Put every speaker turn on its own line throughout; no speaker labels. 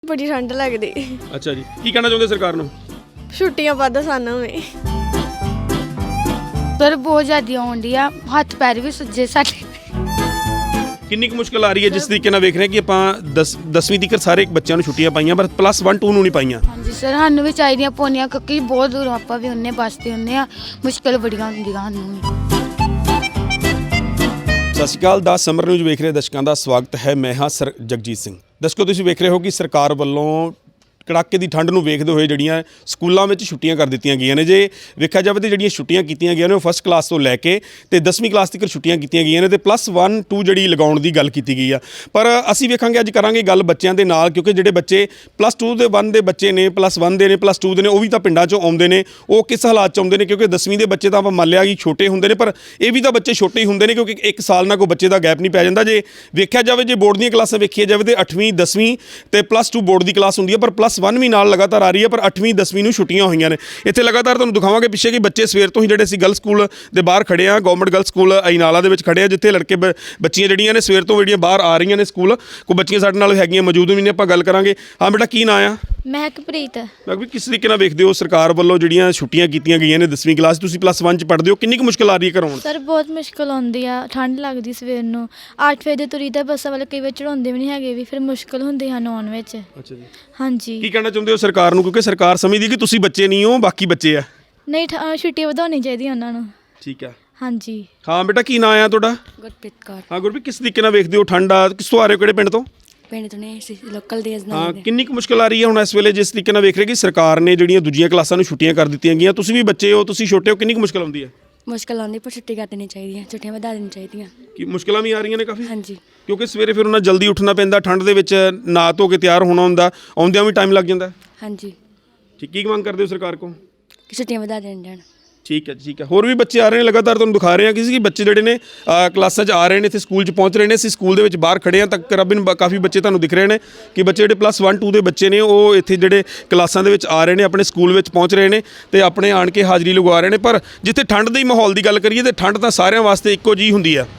बड़ी ठंड लगदी।
अच्छा जी, की कहना चाਹੁंदे सरकार ਨੂੰ?
छुट्टियां ਵੱਧ ਸਾਨੂੰ ਵੀ।
ਸਰ ਬਹੁਤ ਜ਼ਿਆਦਾ ਆਉਂਦੀ ਆ, ਹੱਥ ਪੈਰ ਵੀ ਸੁੱਜੇ ਸਾਡੇ।
ਕਿੰਨੀ ਕੁ ਮੁਸ਼ਕਲ ਆ ਰਹੀ ਹੈ ਜਿਸ ਤਰੀਕੇ ਨਾਲ ਵੇਖ ਰਹੇ ਕਿ ਆਪਾਂ 10ਵੀਂ ਤੱਕ ਸਾਰੇ ਬੱਚਿਆਂ ਨੂੰ ਛੁੱਟੀਆਂ ਪਾਈਆਂ ਪਰ +1 2 ਨੂੰ ਨਹੀਂ ਪਾਈਆਂ।
ਹਾਂਜੀ ਸਰ, ਸਾਨੂੰ ਵੀ ਚਾਹੀਦੀਆਂ ਪੌਣੀਆਂ ਕਿਉਂਕਿ ਬਹੁਤ ਦੂਰ ਆਪਾਂ ਵੀ ਉਹਨੇ ਬੱਸਦੇ ਹੁੰਦੇ ਆ, ਮੁਸ਼ਕਲ ਬੜੀਆਂ ਹੁੰਦੀਆਂ ਸਾਨੂੰ ਵੀ।
ਸਤਿ ਸ਼੍ਰੀ ਅਕਾਲ, ਦਾ ਸਮਰ ਨਿਊਜ਼ ਵੇਖ ਰਹੇ ਦਰਸ਼ਕਾਂ ਦਾ ਸਵਾਗਤ ਹੈ। ਮੈਂ ਹਾਂ ਸਰ ਜਗਜੀਤ ਸਿੰਘ। ਦਰਸ਼ਕੋ, ਤੁਸੀਂ ਵੇਖ ਰਹੇ ਹੋ ਕਿ ਸਰਕਾਰ ਵੱਲੋਂ ਕੜਾਕੇ ਦੀ ਠੰਡ ਨੂੰ ਵੇਖਦੇ ਹੋਏ ਜਿਹੜੀਆਂ ਸਕੂਲਾਂ ਵਿੱਚ ਛੁੱਟੀਆਂ ਕਰ ਦਿੱਤੀਆਂ ਗਈਆਂ ਨੇ। ਜੇ ਵੇਖਿਆ ਜਾਵੇ ਤਾਂ ਜਿਹੜੀਆਂ ਛੁੱਟੀਆਂ ਕੀਤੀਆਂ ਗਈਆਂ ਨੇ ਉਹ ਫਸਟ ਕਲਾਸ ਤੋਂ ਲੈ ਕੇ ਤੇ 10ਵੀਂ ਕਲਾਸ ਤੱਕ ਛੁੱਟੀਆਂ ਕੀਤੀਆਂ ਗਈਆਂ ਨੇ ਤੇ +1 2 ਜਿਹੜੀ ਲਗਾਉਣ ਦੀ ਗੱਲ ਕੀਤੀ ਗਈ ਆ। ਪਰ ਅਸੀਂ ਵੇਖਾਂਗੇ, ਅੱਜ ਕਰਾਂਗੇ ਗੱਲ ਬੱਚਿਆਂ ਦੇ ਨਾਲ, ਕਿਉਂਕਿ ਜਿਹੜੇ ਬੱਚੇ +2 ਦੇ 1 ਦੇ ਬੱਚੇ ਨੇ, +1 ਦੇ ਨੇ, +2 ਦੇ ਨੇ, ਉਹ ਵੀ ਤਾਂ ਪਿੰਡਾਂ 'ਚੋਂ ਆਉਂਦੇ ਨੇ। ਉਹ ਕਿਸ ਹਾਲਾਤ 'ਚ ਆਉਂਦੇ ਨੇ? ਕਿਉਂਕਿ 10ਵੀਂ ਦੇ ਬੱਚੇ ਤਾਂ ਆਪਾਂ ਮੰਨ ਲਿਆ ਕਿ ਛੋਟੇ ਹੁੰਦੇ ਨੇ, ਪਰ ਇਹ ਵੀ ਤਾਂ ਬੱਚੇ ਛੋਟੇ ਹੀ ਹੁੰਦੇ ਨੇ ਕਿਉਂਕਿ 1 ਸਾਲ ਨਾਲ ਕੋਈ ਬੱਚੇ ਦਾ ਗੈਪ ਨਹੀਂ ਪੈ ਜਾਂਦਾ। ਜੇ ਵੇਖਿਆ ਜਾਵੇ, ਜੇ ਬੋਰਡ ਦੀਆਂ ਕਲਾਸਾਂ ਵੇਖੀਆਂ ਜਾਵੇ ਤਾਂ 8ਵੀਂ 10ਵੀਂ ਤੇ +2 ਬੋਰਡ ਦੀ ਕਲਾਸ ਹੁੰਦੀ ਹੈ, ਪਰ +1 ਵੀ ਨਾਲ ਲਗਾਤਾਰ ਆ ਰਹੀ ਹੈ। ਪਰ 8ਵੀਂ 10ਵੀਂ ਨੂੰ ਛੁੱਟੀਆਂ ਹੋਈਆਂ ਨੇ। ਇੱਥੇ ਲਗਾਤਾਰ ਤੁਹਾਨੂੰ ਦਿਖਾਵਾਂਗੇ ਪਿੱਛੇ ਕਿ ਬੱਚੇ ਸਵੇਰ ਤੋਂ ਹੀ ਜਿਹੜੇ ਅਸੀਂ ਗਰਲਸ ਸਕੂਲ ਦੇ ਬਾਹਰ ਖੜੇ ਆ, ਗਵਰਨਮੈਂਟ ਗਰਲਸ ਸਕੂਲ ਅਜਨਾਲਾ ਦੇ ਵਿੱਚ ਖੜੇ ਆ, ਜਿੱਥੇ ਲੜਕੇ ਬੱਚੀਆਂ ਜਿਹੜੀਆਂ ਨੇ ਸਵੇਰ ਤੋਂ ਜਿਹੜੀਆਂ ਬਾਹਰ ਆ ਰਹੀਆਂ ਨੇ ਸਕੂਲ। ਕੋਈ ਬੱਚੀਆਂ ਸਾਡੇ ਨਾਲ ਹੈਗੀਆਂ ਮੌਜੂਦ ਵੀ ਨੇ, ਆਪਾਂ ਗੱਲ ਕਰਾਂਗੇ। ਹਾਂ ਬੇਟਾ, ਕੀ ਨਾਂ ਆ?
ਮਹਿਕਪ੍ਰੀਤ।
ਮੈਂ ਵੀ ਕਿਸ ਤਰੀਕੇ ਨਾਲ ਵੇਖਦੇ ਹੋ ਸਰਕਾਰ ਵੱਲੋਂ ਜਿਹੜੀਆਂ ਛੁੱਟੀਆਂ ਕੀਤੀਆਂ ਗਈਆਂ ਨੇ 10ਵੀਂ ਕਲਾਸ, ਤੁਸੀਂ +1 'ਚ ਪੜ੍ਹਦੇ ਹੋ, ਕਿੰਨੀ ਕੁ ਮੁਸ਼ਕਲ ਆ ਰਹੀ ਹੈ ਘਰੋਂ?
ਸਰ ਬਹੁਤ ਮੁਸ਼ਕਿਲ ਆਉਂਦੀ ਆ, ਠੰਡ ਲੱਗਦੀ ਸਵੇਰ ਨੂੰ 8 ਵਜੇ ਦੇ ਤੁਰੀ ਤਾਂ ਬੱਸਾਂ ਵਾਲੇ ਕਈ ਵਾਰ ਚੜਾਉਂਦੇ ਵੀ ਨਹੀਂ ਹੈਗੇ, ਵੀ ਫਿਰ ਮੁਸ਼ਕਿਲ ਹੁੰਦੀ ਹਨ ਆਉਣ ਵਿੱਚ।
ਅੱਛਾ ਜੀ,
ਹਾਂਜੀ।
ਕੀ ਕਹਿਣਾ ਚਾਹੁੰਦੇ ਹੋ ਸਰਕਾਰ ਨੂੰ? ਕਿਉਂਕਿ ਸਰਕਾਰ ਸਮਝਦੀ ਕਿ ਤੁਸੀਂ ਬੱਚੇ ਨਹੀਂ ਹੋ, ਬਾਕੀ ਬੱਚੇ ਆ।
ਨਹੀਂ, ਛੁੱਟੀ ਵਧਾਉਣੀ ਚਾਹੀਦੀ ਉਹਨਾਂ ਨੂੰ।
ਠੀਕ ਆ।
ਹਾਂਜੀ।
ਹਾਂ ਬੇਟਾ, ਕੀ ਨਾਂ ਆ ਤੁਹਾਡਾ?
ਗੁਰਪ੍ਰੀਤ ਕੌਰ।
ਹਾਂ ਗੁਰਪ੍ਰੀਤ, ਕਿਸ ਤਰੀਕੇ ਨਾਲ ਵੇਖਦੇ ਹੋ ਠੰਡ ਆ? ਕਿਸ ਤੋਂ ਆ ਰਹੇ ਹੋ, ਕਿਹੜੇ ਪਿੰਡ ਤੋਂ?
ਪਿੰਡ ਤੋਂ ਨੇ ਲੋਕਲ ਦੇ
ਹਾਂ, ਕਿੰਨੀ ਕੁ ਮੁਸ਼ਕਲ ਆ ਰਹੀ ਹੈ ਹੁਣ ਇਸ ਵੇਲੇ ਜਿਸ ਤਰੀਕੇ ਨਾਲ ਵੇਖ ਰਹੇ ਕਿ ਸਰਕਾਰ ਨੇ ਜਿਹੜੀਆਂ ਦੂਜੀਆਂ ਕਲਾਸਾਂ ਨੂੰ ਛੁੱਟੀਆਂ ਕਰ ਦਿੱਤੀਆਂ ਗਈਆਂ? ਤੁਸੀਂ ਵੀ ਬੱਚੇ ਹੋ, ਤੁਸੀਂ ਛੋਟੇ ਹੋ, ਕਿੰਨੀ ਕੁ ਮੁਸ਼ਕਲ ਆਉਂਦੀ ਹੈ?
ਮੁਸ਼ਕਲ ਆਉਂਦੀ, ਪਰ ਛੁੱਟੀ ਕਰ ਦੇਣੀ ਚਾਹੀਦੀ ਹੈ, ਛੁੱਟੀਆਂ ਵਧਾ ਦੇਣੀ ਚਾਹੀਦੀਆਂ।
ਕਿ ਮੁਸ਼ਕਲਾਂ ਵੀ ਆ ਰਹੀਆਂ ਨੇ ਕਾਫੀ?
ਹਾਂਜੀ।
ਕਿਉਂਕਿ ਸਵੇਰੇ ਫਿਰ ਉਹਨਾਂ ਜਲਦੀ ਉੱਠਣਾ ਪੈਂਦਾ, ਠੰਡ ਦੇ ਵਿੱਚ ਨਹਾ ਧੋ ਕੇ ਤਿਆਰ ਹੋਣਾ ਹੁੰਦਾ, ਆਉਂਦਿਆਂ ਵੀ ਟਾਈਮ ਲੱਗ ਜਾਂਦਾ।
ਹਾਂਜੀ।
ਠੀਕ, ਕੀ ਮੰਗ ਕਰਦੇ ਹੋ ਸਰਕਾਰ ਕੋਲ?
ਕਿ ਛੁੱਟੀਆਂ ਵਧਾ ਦੇਣ ਜਾਣ।
ਠੀਕ ਹੈ, ਠੀਕ ਹੈ। ਹੋਰ ਵੀ ਬੱਚੇ ਆ ਰਹੇ ਨੇ, ਲਗਾਤਾਰ ਤੁਹਾਨੂੰ ਦਿਖਾ ਰਹੇ ਹਾਂ ਕਿਸੇ ਕਿ ਬੱਚੇ ਜਿਹੜੇ ਨੇ ਕਲਾਸਾਂ 'ਚ ਆ ਰਹੇ ਨੇ, ਇੱਥੇ ਸਕੂਲ 'ਚ ਪਹੁੰਚ ਰਹੇ ਨੇ। ਅਸੀਂ ਸਕੂਲ ਦੇ ਵਿੱਚ ਬਾਹਰ ਖੜੇ ਹਾਂ ਤਾਂ ਤਕਰੀਬਨ ਕਾਫੀ ਬੱਚੇ ਤੁਹਾਨੂੰ ਦਿਖ ਰਹੇ ਨੇ ਕਿ ਬੱਚੇ ਜਿਹੜੇ +1 2 ਦੇ ਬੱਚੇ ਨੇ ਉਹ ਇੱਥੇ ਜਿਹੜੇ ਕਲਾਸਾਂ ਦੇ ਵਿੱਚ ਆ ਰਹੇ ਨੇ, ਆਪਣੇ ਸਕੂਲ ਵਿੱਚ ਪਹੁੰਚ ਰਹੇ ਨੇ ਤੇ ਆਪਣੇ ਆਣ ਕੇ ਹਾਜ਼ਰੀ ਲਗਵਾ ਰਹੇ ਨੇ। ਪਰ ਜਿੱਥੇ ਠੰਡ ਦੇ ਮਾਹੌਲ ਦੀ ਗੱਲ ਕਰੀਏ ਤਾਂ ਠੰਡ ਤਾਂ ਸਾਰਿਆਂ ਵਾਸਤੇ ਇੱਕੋ ਜਿਹੀ ਹੁੰਦੀ ਆ।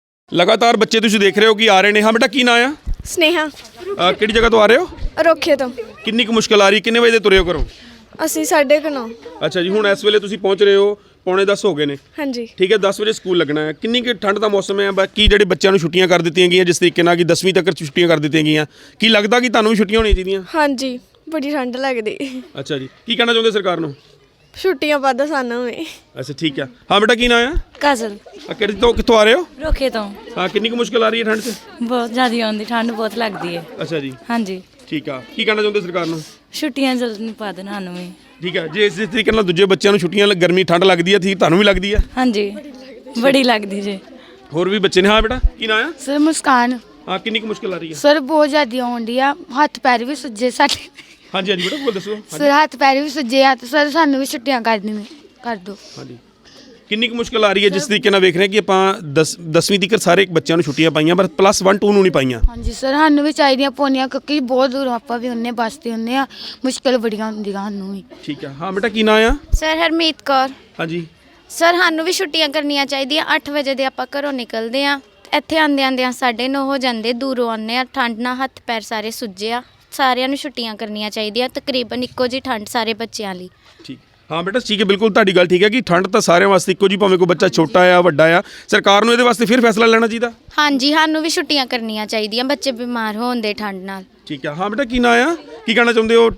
ਲਗਾਤਾਰ ਬੱਚੇ ਤੁਸੀਂ ਦੇਖ ਰਹੇ ਹੋ ਕਿ ਆ ਰਹੇ ਨੇ। ਹਾਂ ਬੇਟਾ, ਕੀ ਨਾਂ ਆ?
ਸਨੇਹਾ,
ਕਿਹੜੀ ਜਗ੍ਹਾ ਤੋਂ ਆ ਰਹੇ ਹੋ?
ਰੋਖੇ ਤੋਂ।
ਕਿੰਨੀ ਕੁ ਮੁਸ਼ਕਲ ਆ ਰਹੀ? ਕਿੰਨੇ ਵਜੇ ਦੇ ਤੁਰੇ ਹੋ ਘਰੋਂ?
ਅਸੀਂ 9:30।
ਅੱਛਾ ਜੀ, ਹੁਣ ਇਸ ਵੇਲੇ ਤੁਸੀਂ ਪਹੁੰਚ ਰਹੇ ਹੋ, 9:45 ਹੋ ਗਏ ਨੇ।
ਹਾਂਜੀ।
ਠੀਕ ਹੈ, 10 ਵਜੇ ਸਕੂਲ ਲੱਗਣਾ ਹੈ। ਕਿੰਨੀ ਕਿ ਠੰਡ ਦਾ ਮੌਸਮ ਹੈ, ਬਾਕੀ ਜਿਹੜੇ ਬੱਚਿਆਂ ਨੂੰ ਛੁੱਟੀਆਂ ਕਰ ਦਿੱਤੀਆਂ ਗਈਆਂ ਜਿਸ ਤਰੀਕੇ ਨਾਲ ਕਿ 10ਵੀਂ ਤੱਕ ਛੁੱਟੀਆਂ ਕਰ ਦਿੱਤੀਆਂ ਗਈਆਂ, ਕੀ ਲੱਗਦਾ ਕਿ ਤੁਹਾਨੂੰ ਵੀ ਛੁੱਟੀਆਂ ਹੋਣੀਆਂ ਚਾਹੀਦੀਆਂ?
ਹਾਂਜੀ, ਬੜੀ ਠੰਡ ਲੱਗਦੀ।
ਅੱਛਾ ਜੀ, ਕੀ ਕਹਿਣਾ ਚਾਹੁੰਦੇ ਸਰਕਾਰ ਨੂੰ?
ਛੁੱਟੀਆਂ ਵੱਧ ਸਾਨੂੰ ਵੀ।
ਅੱਛਾ, ਠੀਕ ਹੈ। ਹਾਂ ਬੇਟਾ, ਕੀ ਨਾਂ ਆ?
ਕਾਜਲ।
ਕਿੱਥੋਂ ਆ ਰਹੇ ਹੋ?
ਰੋਖੇ ਤੋਂ।
ਹਾਂ, ਕਿੰਨੀ ਕੁ ਮੁਸ਼ਕਲ ਆ ਰਹੀ ਹੈ ਠੰਡ 'ਚ?
ਬਹੁਤ ਜ਼ਿਆਦਾ ਆਉਂਦੀ, ਠੰਡ ਬਹੁਤ ਲੱਗਦੀ ਹੈ।
ਅੱਛਾ ਜੀ,
ਹਾਂਜੀ।
ਠੀਕ ਆ। ਕੀ ਕਹਿਣਾ ਚਾਹੁੰਦੇ ਸਰਕਾਰ ਨੂੰ?
ਛੁੱਟੀਆਂ ਜਲਦੀ ਨਹੀਂ ਪਾ ਦੇਣ ਸਾਨੂੰ ਵੀ।
ਠੀਕ ਹੈ। ਜੇ ਇਸ ਤਰੀਕੇ ਨਾਲ ਦੂਜੇ ਬੱਚਿਆਂ ਨੂੰ ਛੁੱਟੀਆਂ ਗਰਮੀ ਠੰਡ ਲੱਗਦੀ ਹੈ, ਠੀਕ ਤੁਹਾਨੂੰ ਵੀ ਲੱਗਦੀ ਹੈ?
ਹਾਂਜੀ, ਬੜੀ ਲੱਗਦੀ ਜੀ।
ਹੋਰ ਵੀ ਬੱਚੇ ਨੇ। ਹਾਂ ਬੇਟਾ, ਕੀ ਨਾਂ ਆ?
ਸਰ ਮੁਸਕਾਨ।
ਹਾਂ, ਕਿੰਨੀ ਕੁ ਮੁਸ਼ਕਲ ਆ ਰਹੀ ਹੈ?
ਸਰ ਬਹੁਤ ਜ਼ਿਆਦਾ ਆਉਂਦੀ ਆ, ਹੱਥ ਪੈਰ ਵੀ ਸੁੱਜੇ ਸਾਡੇ।
ਹਾਂਜੀ ਹਾਂਜੀ ਬੇਟਾ, ਬੋਲ ਦੱਸੋ।
ਸਰ ਹੱਥ ਪੈਰ ਵੀ ਸੁੱਜੇ ਆ ਤੇ ਸਰ ਸਾਨੂੰ ਵੀ ਛੁੱਟੀਆਂ ਕਰ ਦਿਓ।
ਹਾਂਜੀ, ਕਿੰਨੀ ਕੁ ਮੁਸ਼ਕਲ ਆ ਰਹੀ ਹੈ ਜਿਸ ਤਰੀਕੇ ਨਾਲ ਵੇਖ ਰਹੇ ਕਿ ਆਪਾਂ 10ਵੀਂ ਤੱਕ ਸਾਰੇ ਬੱਚਿਆਂ ਨੂੰ ਛੁੱਟੀਆਂ ਪਾਈਆਂ ਪਰ +1 2 ਨੂੰ ਨਹੀਂ ਪਾਈਆਂ?
ਹਾਂਜੀ ਸਰ, ਸਾਨੂੰ ਵੀ ਚਾਹੀਦੀਆਂ ਪੌਣੀਆਂ ਕਿਉਂਕਿ ਬਹੁਤ ਦੂਰ ਆਪਾਂ ਵੀ ਉਹਨੇ ਬੱਸਦੇ ਹੁੰਦੇ ਆ, ਮੁਸ਼ਕਲ ਬੜੀਆਂ ਹੁੰਦੀਆਂ ਸਾਨੂੰ ਵੀ।
ਠੀਕ ਹੈ। ਹਾਂ ਬੇਟਾ, ਕੀ ਨਾਂ ਆ?
ਸਰ ਹਰਮੀਤ ਕੌਰ।
ਹਾਂਜੀ।
ਸਰ ਸਾਨੂੰ ਵੀ ਛੁੱਟੀਆਂ ਕਰਨੀਆਂ ਚਾਹੀਦੀਆਂ। 8 ਵਜੇ ਦੇ ਆਪਾਂ ਘਰੋਂ ਨਿਕਲਦੇ ਆ, ਇੱਥੇ ਆਉਂਦਿਆਂ 9:30 ਹੋ ਜਾਂਦੇ, ਦੂਰੋਂ ਆਉਂਦੇ ਆ, ਠੰਡ ਨਾਲ ਹੱਥ ਪੈਰ ਸਾਰੇ ਸੁੱਜੇ ਆ। ਸਾਰਿਆਂ ਨੂੰ ਛੁੱਟੀਆਂ ਕਰਨੀਆਂ ਚਾਹੀਦੀਆਂ, ਤਕਰੀਬਨ ਇੱਕੋ ਜਿਹੀ ਠੰਡ ਸਾਰੇ ਬੱਚਿਆਂ ਲਈ।
ਠੀਕ। ਹਾਂ ਬੇਟਾ, ਠੀਕ ਹੈ, ਬਿਲਕੁਲ ਤੁਹਾਡੀ ਗੱਲ ਠੀਕ ਹੈ ਕਿ ਠੰਡ ਤਾਂ ਸਾਰਿਆਂ ਵਾਸਤੇ ਇੱਕੋ ਜਿਹੀ, ਭਾਵੇਂ ਕੋਈ ਬੱਚਾ ਛੋਟਾ ਆ ਵੱਡਾ ਆ। ਸਰਕਾਰ ਨੂੰ ਇਹਦੇ ਵਾਸਤੇ ਫਿਰ ਫੈਸਲਾ ਲੈਣਾ ਚਾਹੀਦਾ।
ਹਾਂਜੀ, ਸਾਨੂੰ ਵੀ ਛੁੱਟੀਆਂ ਕਰਨੀਆਂ ਚਾਹੀਦੀਆਂ, ਬੱਚੇ ਬਿਮਾਰ ਹੋਣ ਦੇ ਠੰਡ ਨਾਲ।
ਠੀਕ ਹੈ। ਹਾਂ ਬੇਟਾ, ਕੀ ਨਾਂ ਆ? ਕੀ ਕਹਿਣਾ ਚਾਹੁੰਦੇ ਹੋ?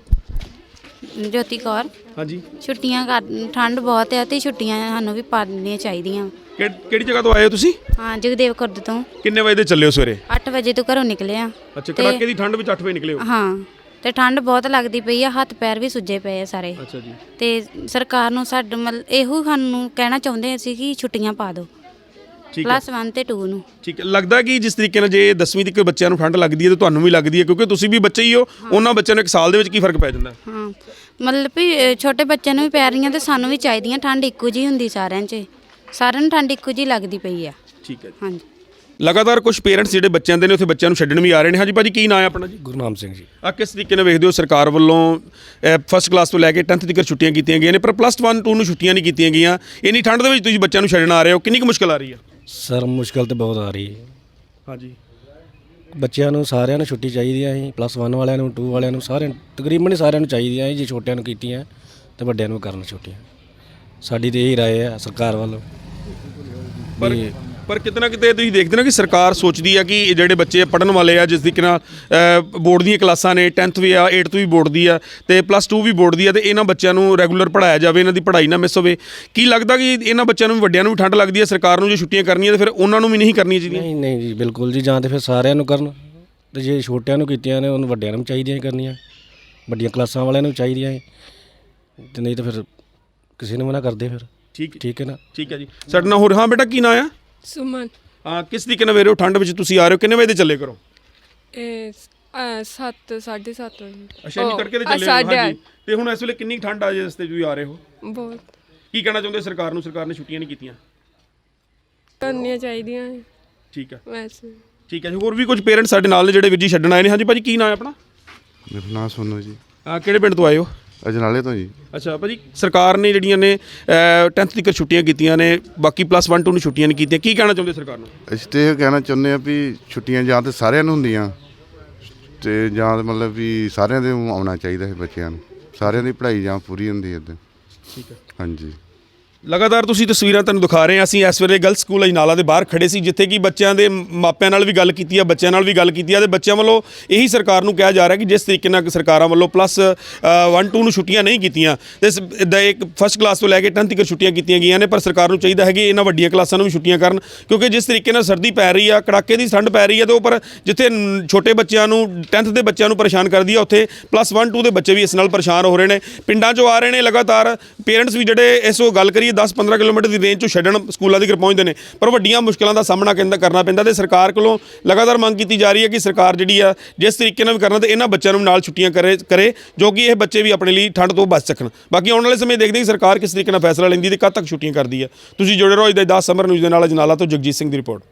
ਜੋਤੀ ਕੌਰ।
ਹਾਂਜੀ।
ਛੁੱਟੀਆਂ ਕਰ, ਠੰਡ ਬਹੁਤ ਹੈ ਤੇ ਛੁੱਟੀਆਂ ਸਾਨੂੰ ਵੀ ਪਾ ਦੇਣੀਆਂ ਚਾਹੀਦੀਆਂ।
ਕਿਹੜੀ ਜਗ੍ਹਾ ਤੋਂ ਆਏ ਹੋ ਤੁਸੀਂ?
ਹਾਂ, ਜਗਦੇਵ ਖੁਰਦ ਤੋਂ।
ਕਿੰਨੇ ਵਜੇ ਦੇ ਚੱਲੇ ਹੋ ਸਵੇਰੇ?
8 ਵਜੇ ਤੋਂ ਘਰੋਂ ਨਿਕਲੇ ਆ।
ਅੱਛਾ, ਕੜਾਕੇ ਦੀ ਠੰਡ ਵਿੱਚ 8 ਵਜੇ ਨਿਕਲੇ ਹੋ?
ਹਾਂ, ਤੇ ਠੰਡ ਬਹੁਤ ਲੱਗਦੀ ਪਈ ਆ, ਹੱਥ ਪੈਰ ਵੀ ਸੁੱਜੇ ਪਏ ਆ ਸਾਰੇ।
ਅੱਛਾ ਜੀ।
ਤੇ ਸਰਕਾਰ ਨੂੰ ਸਾਡੇ ਇਹੋ ਸਾਨੂੰ ਕਹਿਣਾ ਚਾਹੁੰਦੇ ਅਸੀਂ ਕਿ ਛੁੱਟੀਆਂ ਪਾ ਦਿਓ
ਠੀਕ ਹੈ।
+1 ਤੇ 2 ਨੂੰ।
ਠੀਕ ਹੈ। ਲੱਗਦਾ ਕਿ ਜਿਸ ਤਰੀਕੇ ਨਾਲ ਜੇ 10ਵੀਂ ਤੱਕ ਬੱਚਿਆਂ ਨੂੰ ਠੰਡ ਲੱਗਦੀ ਹੈ ਤਾਂ ਤੁਹਾਨੂੰ ਵੀ ਲੱਗਦੀ ਹੈ, ਕਿਉਂਕਿ ਤੁਸੀਂ ਵੀ ਬੱਚੇ ਹੀ ਹੋ। ਉਹਨਾਂ ਬੱਚਿਆਂ ਨੂੰ 1 ਸਾਲ ਦੇ ਵਿੱਚ ਕੀ ਫਰਕ ਪੈ ਜਾਂਦਾ?
ਹਾਂ, ਮਤਲਬ ਵੀ ਛੋਟੇ ਬੱਚਿਆਂ ਨੂੰ ਵੀ ਪੈ ਰਹੀਆਂ ਤੇ ਸਾਨੂੰ ਵੀ ਚਾਹੀਦੀਆਂ। ਠੰਡ ਇੱਕੋ ਜਿਹੀ ਹੁੰਦੀ ਸਾਰਿਆਂ 'ਚ, ਸਾਰਿਆਂ ਨੂੰ ਠੰਡ ਇੱਕੋ ਜਿਹੀ ਲੱਗਦੀ ਪਈ ਆ।
ਠੀਕ ਹੈ।
ਹਾਂਜੀ।
ਲਗਾਤਾਰ ਕੁਝ ਪੇਰੈਂਟਸ ਜਿਹੜੇ ਬੱਚਿਆਂ ਦੇ ਨੇ ਉੱਥੇ ਬੱਚਿਆਂ ਨੂੰ ਛੱਡਣ ਵੀ ਆ ਰਹੇ ਨੇ। ਹਾਂਜੀ ਭਾਜੀ, ਕੀ ਨਾਂ ਹੈ ਆਪਣਾ ਜੀ?
ਗੁਰਨਾਮ ਸਿੰਘ ਜੀ।
ਆ ਕਿਸ ਤਰੀਕੇ ਨਾਲ ਵੇਖਦੇ ਹੋ ਸਰਕਾਰ ਵੱਲੋਂ ਫਸਟ ਕਲਾਸ ਤੋਂ ਲੈ ਕੇ 10th ਤੱਕ ਛੁੱਟੀਆਂ ਕੀਤੀਆਂ ਗਈਆਂ ਨੇ ਪਰ +1 2 ਨੂੰ ਛੁੱਟੀਆਂ ਨਹੀਂ ਕੀਤੀਆਂ ਗਈਆਂ? ਇੰਨੀ ਠੰਡ ਦੇ ਵਿੱਚ ਤੁਸੀਂ ਬੱਚਿਆਂ ਨੂੰ ਛੱਡਣ ਆ ਰਹੇ ਹੋ, ਕਿੰਨੀ ਕੁ ਮੁਸ਼ਕਲ ਆ ਰਹੀ ਹੈ?
ਸਰ ਮੁਸ਼ਕਲ ਤਾਂ ਬਹੁਤ ਆ ਰਹੀ ਹੈ।
ਹਾਂਜੀ।
ਬੱਚਿਆਂ ਨੂੰ ਸਾਰਿਆਂ ਨੂੰ ਛੁੱਟੀ ਚਾਹੀਦੀ ਹੈ ਜੀ, +1 ਵਾਲਿਆਂ ਨੂੰ 2 ਵਾਲਿਆਂ ਨੂੰ ਸਾਰਿਆਂ ਨੂੰ ਤਕਰੀਬਨ ਸਾਰਿਆਂ ਨੂੰ ਚਾਹੀਦੀਆਂ ਹੈ। ਜੇ ਛੋਟਿਆਂ ਨੂੰ ਕੀਤੀਆਂ ਤੇ ਵੱਡਿਆਂ ਨੂੰ ਕਰਨ ਛੁੱਟੀਆਂ। ਸਾਡੀ ਤੇ ਇਹੀ ਰਾਏ ਹੈ ਸਰਕਾਰ ਵੱਲੋਂ।
ਪਰ ਕਿਤੇ ਨਾ ਕਿਤੇ ਤੁਸੀਂ ਦੇਖਦੇ ਨਾ ਕਿ ਸਰਕਾਰ ਸੋਚਦੀ ਆ ਕਿ ਇਹ ਜਿਹੜੇ ਬੱਚੇ ਪੜ੍ਹਨ ਵਾਲੇ ਆ, ਜਿਸ ਦੀ ਕਿ ਬੋਰਡ ਦੀਆਂ ਕਲਾਸਾਂ ਨੇ, 10th ਵੀ ਆ, 8th ਵੀ ਬੋਰਡ ਦੀ ਆ ਤੇ +2 ਵੀ ਬੋਰਡ ਦੀ ਆ, ਤੇ ਇਹਨਾਂ ਬੱਚਿਆਂ ਨੂੰ ਰੈਗੂਲਰ ਪੜ੍ਹਾਇਆ ਜਾਵੇ, ਇਹਨਾਂ ਦੀ ਪੜ੍ਹਾਈ ਨਾ ਮਿਸ ਹੋਵੇ। ਕੀ ਲੱਗਦਾ ਕਿ ਇਹਨਾਂ ਬੱਚਿਆਂ ਨੂੰ ਵੀ ਵੱਡਿਆਂ ਨੂੰ ਵੀ ਠੰਡ ਲੱਗਦੀ ਹੈ, ਸਰਕਾਰ ਨੂੰ ਜੇ ਛੁੱਟੀਆਂ ਕਰਨੀਆਂ ਤੇ ਫਿਰ ਉਹਨਾਂ ਨੂੰ ਵੀ ਨਹੀਂ ਕਰਨੀਆਂ ਚਾਹੀਦੀਆਂ?
ਨਹੀਂ ਨਹੀਂ ਜੀ, ਬਿਲਕੁਲ ਜੀ, ਜਾਂ ਤਾਂ ਫਿਰ ਸਾਰਿਆਂ ਨੂੰ ਕਰਨ, ਤੇ ਜੇ ਛੋਟਿਆਂ ਨੂੰ ਕੀਤੀਆਂ ਨੇ ਉਹਨੂੰ ਵੱਡਿਆਂ ਨੂੰ ਚਾਹੀਦੀਆਂ ਹੀ ਕਰਨੀਆਂ, ਵੱਡੀਆਂ ਕਲਾਸਾਂ ਵਾਲਿਆਂ ਨੂੰ ਚਾਹੀਦੀਆਂ ਹੈ, ਤੇ ਨਹੀਂ ਤਾਂ ਫਿਰ ਕਿਸੇ ਨੂੰ ਮਨਾ ਕਰਦੇ ਫਿਰ। ਠੀਕ ਹੈ ਨਾ? ਠੀਕ
ਹੈ ਜੀ। ਸਾਡੇ ਨਾਲ ਹੋਰ, ਹਾਂ ਬੇਟਾ ਕੀ ਨਾਂ ਆ?
ਸੁਮਨ।
ਕਿਸ ਤਰੀਕੇ ਨਾਲ ਵੇਰੇ ਹੋ ਠੰਡ ਵਿੱਚ ਤੁਸੀਂ ਆ ਰਹੇ ਹੋ? ਕਿੰਨੇ ਵਜੇ ਦੇ ਚੱਲੇ ਕਰੋ?
ਇਹ 7:30 ਵਜੇ।
ਅੱਛਾ ਜੀ, ਤੜਕੇ ਦੇ ਚੱਲੇ ਹੋ? ਹਾਂਜੀ। ਤੇ ਹੁਣ ਇਸ ਵੇਲੇ ਕਿੰਨੀ ਠੰਡ ਆ ਜੇ ਰਸਤੇ 'ਚ ਤੁਸੀਂ ਆ ਰਹੇ ਹੋ?
ਬਹੁਤ।
ਕੀ ਕਹਿਣਾ ਚਾਹੁੰਦੇ ਸਰਕਾਰ ਨੂੰ? ਸਰਕਾਰ ਨੇ ਛੁੱਟੀਆਂ ਨਹੀਂ ਕੀਤੀਆਂ,
ਕਰਨੀਆਂ ਚਾਹੀਦੀਆਂ।
ਠੀਕ ਹੈ
ਵੈਸੇ
ਠੀਕ ਹੈ ਜੀ। ਹੋਰ ਵੀ ਕੁਝ ਪੇਰੈਂਟਸ ਸਾਡੇ ਨਾਲ ਨੇ ਜਿਹੜੇ ਵੀਰ ਜੀ ਛੱਡਣ ਆਏ ਨੇ। ਹਾਂਜੀ ਭਾਜੀ, ਕੀ ਨਾਂ ਹੈ ਆਪਣਾ?
ਮੇਰਾ ਨਾਮ ਸੋਨੂ ਜੀ।
ਕਿਹੜੇ ਪਿੰਡ ਤੋਂ ਆਏ ਹੋ?
ਅਜਨਾਲੇ ਤੋਂ ਜੀ।
ਅੱਛਾ ਭਾਜੀ, ਸਰਕਾਰ ਨੇ ਜਿਹੜੀਆਂ ਨੇ 10th ਤੱਕ ਛੁੱਟੀਆਂ ਕੀਤੀਆਂ ਨੇ, ਬਾਕੀ +1 2 ਨੂੰ ਛੁੱਟੀਆਂ ਨਹੀਂ ਕੀਤੀਆਂ, ਕੀ ਕਹਿਣਾ ਚਾਹੁੰਦੇ ਸਰਕਾਰ ਨੂੰ?
ਅਸੀਂ ਤਾਂ ਇਹ ਕਹਿਣਾ ਚਾਹੁੰਦੇ ਹਾਂ ਵੀ ਛੁੱਟੀਆਂ ਜਾਂ ਤਾਂ ਸਾਰਿਆਂ ਨੂੰ ਹੁੰਦੀਆਂ ਤੇ ਜਾਂ ਮਤਲਬ ਵੀ ਸਾਰਿਆਂ ਦੇ ਆਉਣਾ ਚਾਹੀਦਾ ਹੈ, ਬੱਚਿਆਂ ਨੂੰ ਸਾਰਿਆਂ ਦੀ ਪੜ੍ਹਾਈ ਜਾਂ ਪੂਰੀ ਹੁੰਦੀ ਇੱਦਾਂ।
ਠੀਕ ਹੈ।
ਹਾਂਜੀ।
ਲਗਾਤਾਰ ਤੁਸੀਂ ਤਸਵੀਰਾਂ ਤੁਹਾਨੂੰ ਦਿਖਾ ਰਹੇ ਹਾਂ। ਅਸੀਂ ਇਸ ਵੇਲੇ ਗਰਲਸ ਸਕੂਲ ਅਜਨਾਲਾ ਦੇ ਬਾਹਰ ਖੜੇ ਸੀ, ਜਿੱਥੇ ਕਿ ਬੱਚਿਆਂ ਦੇ ਮਾਪਿਆਂ ਨਾਲ ਵੀ ਗੱਲ ਕੀਤੀ ਆ, ਬੱਚਿਆਂ ਨਾਲ ਵੀ ਗੱਲ ਕੀਤੀ ਆ, ਤੇ ਬੱਚਿਆਂ ਵੱਲੋਂ ਇਹੀ ਸਰਕਾਰ ਨੂੰ ਕਿਹਾ ਜਾ ਰਿਹਾ ਕਿ ਜਿਸ ਤਰੀਕੇ ਨਾਲ ਸਰਕਾਰਾਂ ਵੱਲੋਂ +1 2 ਨੂੰ ਛੁੱਟੀਆਂ ਨਹੀਂ ਕੀਤੀਆਂ ਤੇ ਇੱਕ ਫਸਟ ਕਲਾਸ ਤੋਂ ਲੈ ਕੇ 10th ਤੱਕ ਛੁੱਟੀਆਂ ਕੀਤੀਆਂ ਗਈਆਂ ਨੇ, ਪਰ ਸਰਕਾਰ ਨੂੰ ਚਾਹੀਦਾ ਹੈ ਕਿ ਇਹਨਾਂ ਵੱਡੀਆਂ ਕਲਾਸਾਂ ਨੂੰ ਵੀ ਛੁੱਟੀਆਂ ਕਰਨ, ਕਿਉਂਕਿ ਜਿਸ ਤਰੀਕੇ ਨਾਲ ਸਰਦੀ ਪੈ ਰਹੀ ਆ, ਕੜਾਕੇ ਦੀ ਠੰਡ ਪੈ ਰਹੀ ਆ, ਤੇ ਉਹ ਪਰ ਜਿੱਥੇ ਛੋਟੇ ਬੱਚਿਆਂ ਨੂੰ 10th ਦੇ ਬੱਚਿਆਂ ਨੂੰ ਪਰੇਸ਼ਾਨ ਕਰਦੀ ਆ, ਉੱਥੇ +1 2 ਦੇ ਬੱਚੇ ਵੀ ਇਸ ਨਾਲ ਪਰੇਸ਼ਾਨ ਹੋ ਰਹੇ ਨੇ। ਪਿੰਡਾਂ 'ਚੋਂ ਆ ਰਹੇ ਨੇ ਲਗਾਤਾਰ ਪੇਰੈਂਟਸ ਵੀ, ਜਿਹੜੇ ਇਸ ਗੱਲ ਕਰੀਏ 10-15 ਕਿਲੋਮੀਟਰ ਦੀ ਰੇਂਜ 'ਚੋਂ ਛੱਡਣ ਸਕੂਲਾਂ ਤੱਕ ਪਹੁੰਚਦੇ ਨੇ, ਪਰ ਵੱਡੀਆਂ ਮੁਸ਼ਕਲਾਂ ਦਾ ਸਾਹਮਣਾ ਕਰਨਾ ਪੈਂਦਾ। ਤੇ ਸਰਕਾਰ ਕੋਲੋਂ ਲਗਾਤਾਰ ਮੰਗ ਕੀਤੀ ਜਾ ਰਹੀ ਹੈ ਕਿ ਸਰਕਾਰ ਜਿਹੜੀ ਆ ਜਿਸ ਤਰੀਕੇ ਨਾਲ ਵੀ ਕਰਨਾ, ਤੇ ਇਹਨਾਂ ਬੱਚਿਆਂ ਨੂੰ ਨਾਲ ਛੁੱਟੀਆਂ ਕਰੇ ਜੋ ਕਿ ਇਹ ਬੱਚੇ ਵੀ ਆਪਣੇ ਲਈ ਠੰਡ ਤੋਂ ਬਚ ਸਕਣ। ਬਾਕੀ ਆਉਣ ਵਾਲੇ ਸਮੇਂ ਦੇਖਦੇ ਹਾਂ ਕਿ ਸਰਕਾਰ ਕਿਸ ਤਰੀਕੇ ਨਾਲ ਫੈਸਲਾ ਲੈਂਦੀ ਤੇ ਕਦ ਤੱਕ ਛੁੱਟੀਆਂ ਕਰਦੀ ਹੈ। ਤੁਸੀਂ ਜੁੜੇ ਰਹੋ ਅੱਜ ਦੇ 10 ਸਮਰ ਨਿਊਜ਼ ਦੇ ਨਾਲ। ਅਜਨਾਲਾ ਤੋਂ ਜਗਜੀਤ ਸਿੰਘ ਦੀ ਰਿਪੋਰਟ।